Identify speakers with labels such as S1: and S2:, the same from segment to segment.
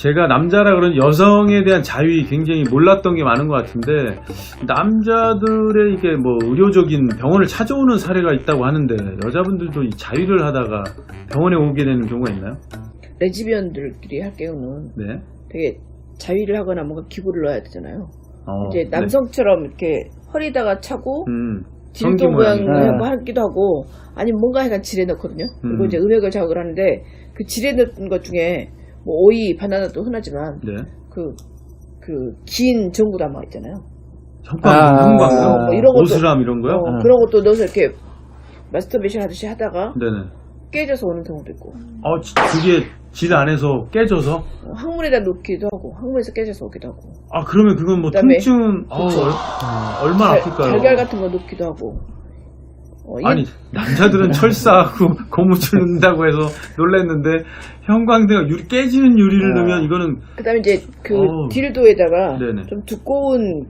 S1: 제가 남자라 그런 여성에 대한 자유이 굉장히 몰랐던 게 많은 것 같은데, 남자들의 이게 뭐 의료적인 병원을 찾아오는 사례가 있다고 하는데, 여자분들도 이 자유를 하다가 병원에 오게 되는 경우가 있나요?
S2: 레즈비언들끼리 할 경우는
S1: 네.
S2: 되게 자위를 하거나 뭔가 기구를 넣어야 되잖아요. 이제
S1: 네.
S2: 남성처럼 이렇게 허리다가 차고
S1: 성기
S2: dildo 모양을
S1: 모양이.
S2: 한번 하기도 하고, 아니면 뭔가 약간 지레 넣거든요. 그리고 이제 음액을 자극을 하는데, 그 지레 넣은 것 중에 뭐 오이, 바나나도 흔하지만
S1: 네.
S2: 그 긴 전구담화 있잖아요.
S1: 형광,
S2: 뭐 이런 것도,
S1: 오스람 이런 거요?
S2: 그런 것도 넣어서 이렇게 마스터베이션 하듯이 하다가
S1: 네네.
S2: 깨져서 오는 경우도 있고,
S1: 그게 질 안에서 깨져서?
S2: 항문에다 놓기도 하고, 항문에서 깨져서 오기도 하고,
S1: 그러면 그건 뭐
S2: 그다음에
S1: 통증, 얼마나 아플까요?
S2: 달걀 같은 거 놓기도 하고.
S1: 아니, 남자들은 철사하고 고무줄 넣는다고 해서 놀랐는데, 형광등, 깨지는 유리를 넣으면 이거는.
S2: 그 다음에 이제 딜도에다가
S1: 네네.
S2: 좀 두꺼운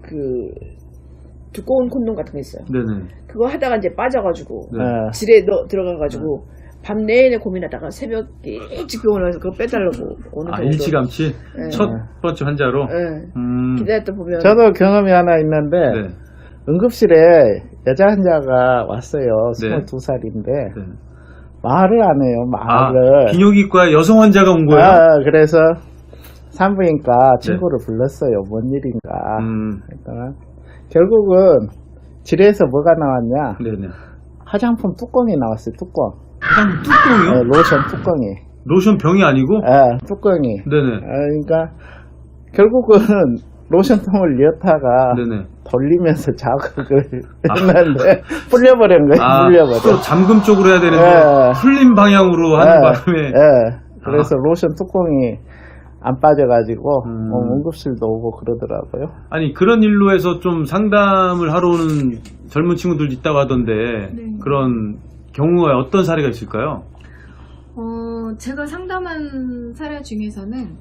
S2: 콘돔 같은 거 있어요.
S1: 네네.
S2: 그거 하다가 이제 빠져가지고,
S1: 네.
S2: 질에 들어가가지고, 밤 내내 고민하다가 새벽에 일찍 병원에 가서 그거 빼달라고 오는 경우도.
S1: 일찌감치?
S2: 네.
S1: 첫 번째 환자로?
S2: 네. 기다렸다 보면.
S3: 저도 경험이 하나 있는데,
S1: 네.
S3: 응급실에 여자 환자가 왔어요.
S1: 네.
S3: 22살인데,
S1: 네.
S3: 말을 안 해요, 말을.
S1: 비뇨기과에 여성 환자가 온 거예요?
S3: 그래서 산부인과 친구를 불렀어요. 뭔 일인가. 그러니까 결국은 질에서 뭐가 나왔냐.
S1: 네네.
S3: 화장품 뚜껑이 나왔어요, 뚜껑.
S1: 화장품 뚜껑이요?
S3: 로션 뚜껑이.
S1: 로션 병이 아니고?
S3: 뚜껑이.
S1: 네네.
S3: 그러니까 결국은 로션통을 여다가
S1: 네네.
S3: 돌리면서 자극을 했는데 풀려버린 거예요. 풀려버려.
S1: 또 잠금 쪽으로 해야 되는데 풀린 방향으로 하는 바람에.
S3: 그래서 로션 뚜껑이 안 빠져가지고 응급실도 오고 그러더라고요.
S1: 아니 그런 일로 해서 좀 상담을 하러 오는 젊은 친구들도 있다고 하던데
S4: 네.
S1: 그런 경우가 어떤 사례가 있을까요?
S4: 제가 상담한 사례 중에서는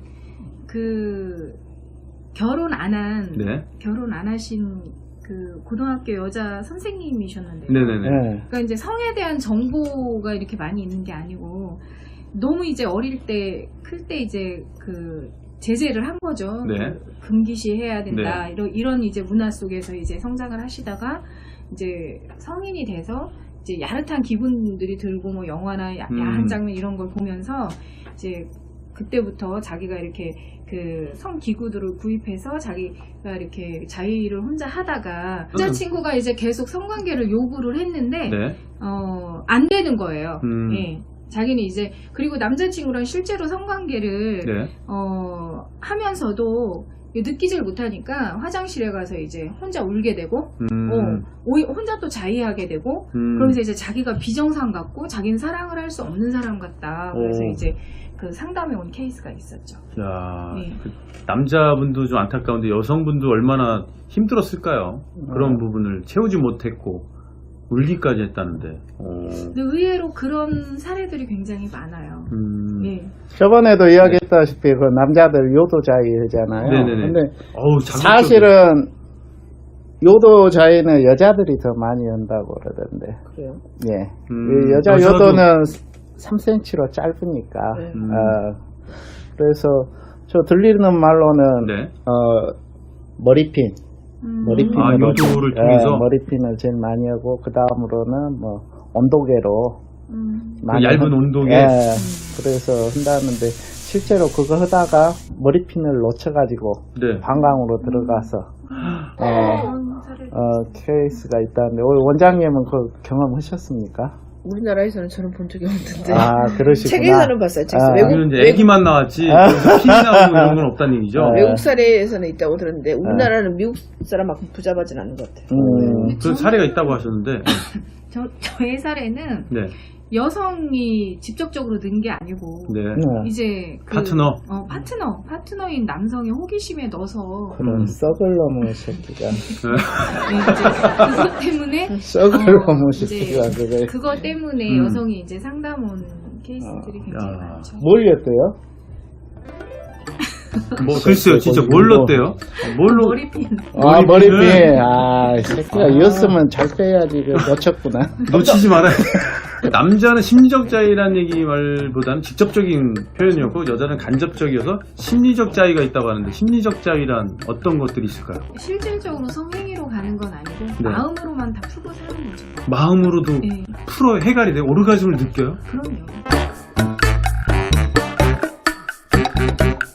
S4: 결혼 안 하신 그 고등학교 여자 선생님이셨는데요.
S1: 네네네.
S4: 그러니까 이제 성에 대한 정보가 이렇게 많이 있는 게 아니고 너무 이제 어릴 때, 클 때 이제 제재를 한 거죠.
S1: 네.
S4: 금기시 해야 된다. 이런 이제 문화 속에서 이제 성장을 하시다가 이제 성인이 돼서 이제 야릇한 기분들이 들고 뭐 영화나 야한 장면 이런 걸 보면서 이제 그때부터 자기가 이렇게 성기구들을 구입해서 자기가 이렇게 자위를 혼자 하다가 여자친구가 이제 계속 성관계를 요구를 했는데 안 되는 거예요. 예. 자기는 이제 그리고 남자친구랑 실제로 성관계를 하면서도 느끼질 못하니까 화장실에 가서 이제 혼자 울게 되고 혼자 또 자위하게 되고 그러면서 이제 자기가 비정상 같고 자기는 사랑을 할 수 없는 사람 같다. 그래서 이제 상담에 온 케이스가 있었죠.
S1: 야, 남자분도 좀 안타까운데 여성분도 얼마나 힘들었을까요? 그런 부분을 채우지 못했고 울기까지 했다는데.
S4: 근데 의외로 그런 사례들이 굉장히 많아요. 예.
S3: 저번에도 이야기했다시피 그 남자들 요도자위잖아요.
S1: 네네네.
S3: 근데
S1: 자극적이야.
S3: 사실은 요도자위는 여자들이 더 많이 한다고 그러던데.
S2: 그래요?
S3: 예. 그 여자 요도는 3cm로 짧으니까. 그래서 저 들리는 말로는 머리핀. 머리핀으로
S1: 요도를 통해서
S3: 머리핀을 제일 많이 하고 그 다음으로는 뭐 온도계로 많이
S1: 얇은 온도계.
S3: 그래서 한다는데 실제로 그거 하다가 머리핀을 놓쳐가지고 방광으로 들어가서 케이스가 있다는데 원장님은 그 경험하셨습니까?
S2: 우리나라에서는 저는 본 적이 없는데.
S3: 그러시구나.
S2: 책에서는 봤어요. 책에서.
S1: 애기만 나왔지 피 나오고 이런 건 없다는 얘기죠.
S2: 외국 사례에서는 있다고 들었는데 우리나라는 미국 사람만큼 부잡하진 않은 것 같아요.
S1: 그 사례가 있다고 하셨는데
S4: 저의 사례는 여성이 직접적으로 넣은 게 아니고 이제 파트너인 남성의 호기심에 넣어서
S3: 그런 썩을 놈의 새끼가
S4: 그것 때문에
S3: 썩을 놈의 새끼가
S4: 그것 때문에 여성이 이제 상담 온 케이스들이 굉장히 많죠.
S3: 뭘 였대요?
S1: 글쎄요, 진짜 뭘 넣었대요?
S4: 머리핀.
S3: 머리핀. 새끼가 이었으면 잘 빼야지. 놓쳤구나.
S1: 놓치지 말아야 남자는 심리적 자위라는 얘기 말보다는 직접적인 표현이었고 여자는 간접적이어서 심리적 자위가 있다고 하는데 심리적 자위란 어떤 것들이 있을까요?
S4: 실질적으로 성행위로 가는 건 아니고
S1: 네.
S4: 마음으로만 다 풀고 사는 거죠.
S1: 마음으로도
S4: 네.
S1: 풀어 해갈이 돼 오르가즘을 느껴요?
S4: 그럼요.